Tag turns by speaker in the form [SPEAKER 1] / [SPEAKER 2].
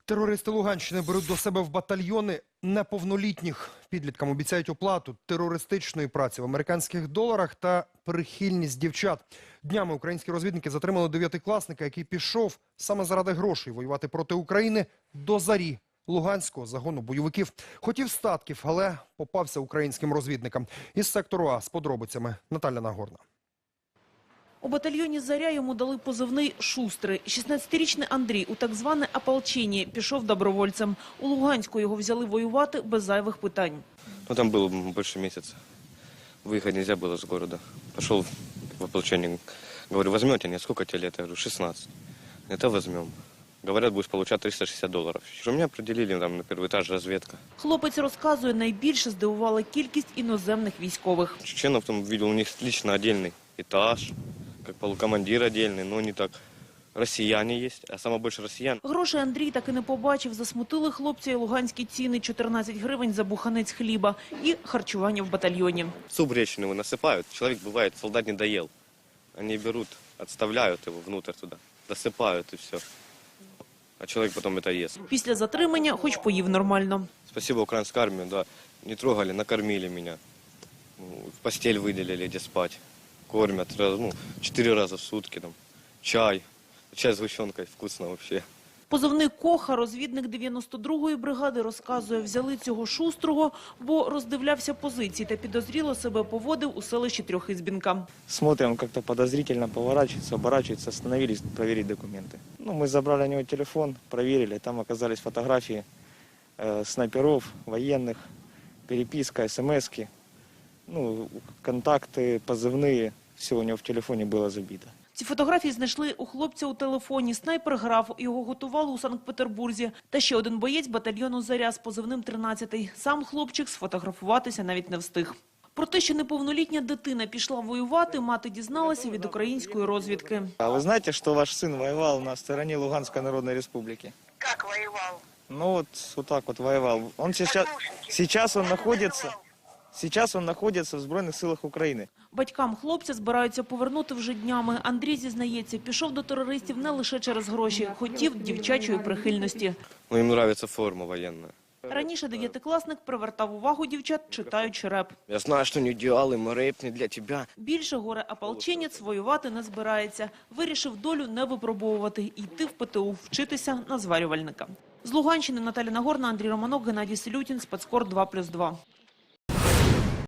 [SPEAKER 1] Терористи Луганщини беруть до себе в батальйони неповнолітніх. Підліткам обіцяють оплату терористичної праці в американських доларах та прихильність дівчат. Днями українські розвідники затримали 9-класника, який пішов саме заради грошей воювати проти України до Зарі, луганського загону бойовиків. Хотів статків, але попався українським розвідникам. Із сектору А з подробицями Наталя Нагорна.
[SPEAKER 2] У батальйоні «Заря» йому дали позивний «Шустрий». 16-річний Андрій у так зване ополчення пішов добровольцем. У Луганську його взяли воювати без зайвих питань.
[SPEAKER 3] Там было больше месяца. Выехать нельзя было с города. Пошел в ополчение. Говорю, возьмете? Нет, сколько тебе лет? Я говорю, 16. Это возьмем. Говорят, будешь получать $360. Меня определили там на первый этаж разведка.
[SPEAKER 2] Хлопець розказує, найбільше здивувала кількість іноземних військових.
[SPEAKER 3] Чеченов там видел, у них лично отдельный этаж, как полукомандир отдельный, но не так. Россияне есть, а самое больше россиян.
[SPEAKER 2] Грошей Андрій таки не побачив. Засмутили хлопця і луганські ціни – 14 гривень за буханець хліба і харчування в батальйоні.
[SPEAKER 3] Суп гречневый насыпают. Человек, бывает, солдат не доел. Они берут, отставляют его внутрь туда, досыпают и все. А человек потом это ест.
[SPEAKER 2] Після затримання хоч поїв нормально.
[SPEAKER 3] Спасибо украинской армии, да, не трогали, накормили меня. В постель выделили, где спать. Кормят 4 раза в сутки, там, чай. Чай с сгущенкой, вкусно вообще.
[SPEAKER 2] Позивний Коха, розвідник 92-ї бригади, розказує, взяли цього Шустрого, бо роздивлявся позиції та підозріло себе поводив у селищі Трьохізбінка.
[SPEAKER 4] Смотрим, как-то подозрительно поворачивается, оборачивается, остановились проверить документы. Мы забрали у него телефон, проверили, там оказались фотографии снайперов, военных, переписка, смски, контакты, позывные, все у него в телефоне было забито.
[SPEAKER 2] Ці фотографії знайшли у хлопця у телефоні. Снайпер грав, його готували у Санкт-Петербурзі. Та ще один боєць батальйону «Заря» з позивним 13-й. Сам хлопчик сфотографуватися навіть не встиг. Про те, що неповнолітня дитина пішла воювати, мати дізналася від української розвідки.
[SPEAKER 4] А вы знаете, что ваш сын воевал на стороне Луганской Народной Республики?
[SPEAKER 5] Как воевал?
[SPEAKER 4] Вот так вот воевал. Он сейчас он находится в Збройних силах України.
[SPEAKER 2] Батькам хлопця збираються повернути вже днями. Андрій зізнається, пішов до терористів не лише через гроші, хотів дівчачої прихильності.
[SPEAKER 3] Им нравится форма военная.
[SPEAKER 2] Раніше 9-класник привертав увагу дівчат, читаючи реп.
[SPEAKER 3] Я знаю, что не идеалы, мы рэп не для тебя.
[SPEAKER 2] Більше горе-ополченець воювати не збирається. Вирішив долю не випробовувати і йти в ПТУ, вчитися на зварювальника. З Луганщини Наталя Нагорна, Андрій Романок, Геннадій Селютін, Спецкор 2+2.